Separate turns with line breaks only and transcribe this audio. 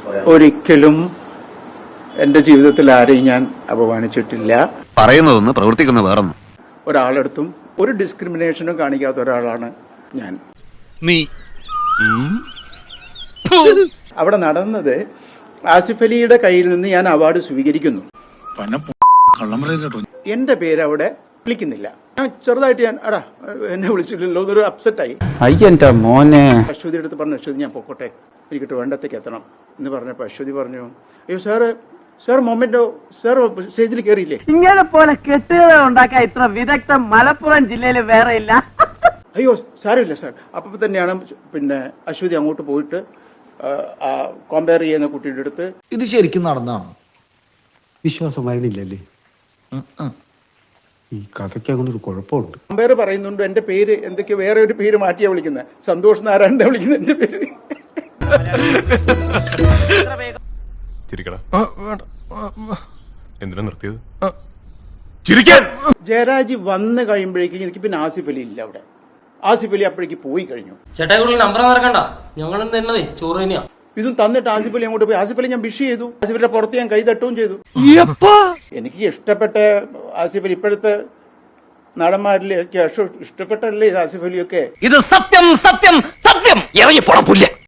ഒരിക്കലും എൻ്റെ ജീവിതത്തിൽ ആരെയും ഞാൻ അപമാനിച്ചിട്ടില്ല.
പറയുന്നതൊന്ന് പ്രവർത്തിക്കുന്ന വേറൊന്നും.
ഒരാളെടുത്തും ഒരു ഡിസ്ക്രിമിനേഷനും കാണിക്കാത്ത ഒരാളാണ് ഞാൻ.
നീ
അവിടെ നടന്നത് ആസിഫ് അലിയുടെ കയ്യിൽ നിന്ന് ഞാൻ അവാർഡ് സ്വീകരിക്കുന്നു. എൻ്റെ പേര് അവിടെ വിളിക്കുന്നില്ല. ഞാൻ ചെറുതായിട്ട് എന്നെ വിളിച്ചില്ലല്ലോ എന്നൊരു അപ്സെറ്റായി.
അയ്യന്റെ മോനെ
അശ്വതി അടുത്ത് പറഞ്ഞു, അശ്വതി ഞാൻ പൊക്കോട്ടെ, എനിക്കിട്ട് വേണ്ടത്തേക്ക് എത്തണം എന്ന് പറഞ്ഞപ്പോൾ അശ്വതി പറഞ്ഞു, അയ്യോ സാർ മൊമെന്റോ, സാർ സ്റ്റേജിൽ കയറിയില്ലേ?
ഇങ്ങനെ പോലെ കെട്ടുകഥ ഉണ്ടാക്കാൻ ഇത്ര വിദഗ്ധം മലപ്പുറം ജില്ലയിൽ വേറെ ഇല്ല.
അയ്യോ സാരമില്ല സാർ. അപ്പം തന്നെയാണ് പിന്നെ അശ്വതി അങ്ങോട്ട് പോയിട്ട് കോമ്പയർ ചെയ്യുന്ന കുട്ടിയുടെ അടുത്ത്
ഇത് ശരിക്കും നടന്നാണോ?
വിശ്വാസം വരണില്ലല്ലേ? ഈ കഥയ്ക്ക് അങ്ങനെ ഒരു കുഴപ്പമുണ്ട്.
കോമ്പയർ പറയുന്നുണ്ട് എൻ്റെ പേര് എന്തൊക്കെയോ വേറെ ഒരു പേര് മാറ്റിയാ വിളിക്കുന്നത്. സന്തോഷ് നാരായണന്റെ വിളിക്കുന്നത് എൻ്റെ പേര്.
എന്തിനാ നിർത്തിയത്? ചിരിക്കാൻ.
ജയരാജ് വന്ന് കഴിയുമ്പോഴേക്കും എനിക്ക് പിന്നെ ആസിഫ് അലി ഇല്ല അവിടെ. ആസിഫ് അലി അപ്പോഴേക്ക് പോയി കഴിഞ്ഞു.
ചേട്ടാ നമ്പർ മറക്കണ്ട, ഞങ്ങളും തന്നതേ ചോറ് തന്നെയാ.
ഇതും തന്നിട്ട് ആസിഫ് അലി അങ്ങോട്ട് പോയി. ആസിഫ് അലി ഞാൻ വിഷ് ചെയ്തു. ആസിഫിന്റെ പുറത്ത് ഞാൻ കൈ തട്ടുകയും ചെയ്തു. എനിക്ക് ഇഷ്ടപ്പെട്ട ആസിഫ് അലി, ഇപ്പോഴത്തെ നടന്മാരിലേക്ക് ഇഷ്ടപ്പെട്ടല്ലേ ആസിഫ് അലിയൊക്കെ.
ഇത് സത്യം സത്യം സത്യം ഇറങ്ങി പുറപ്പില്ല.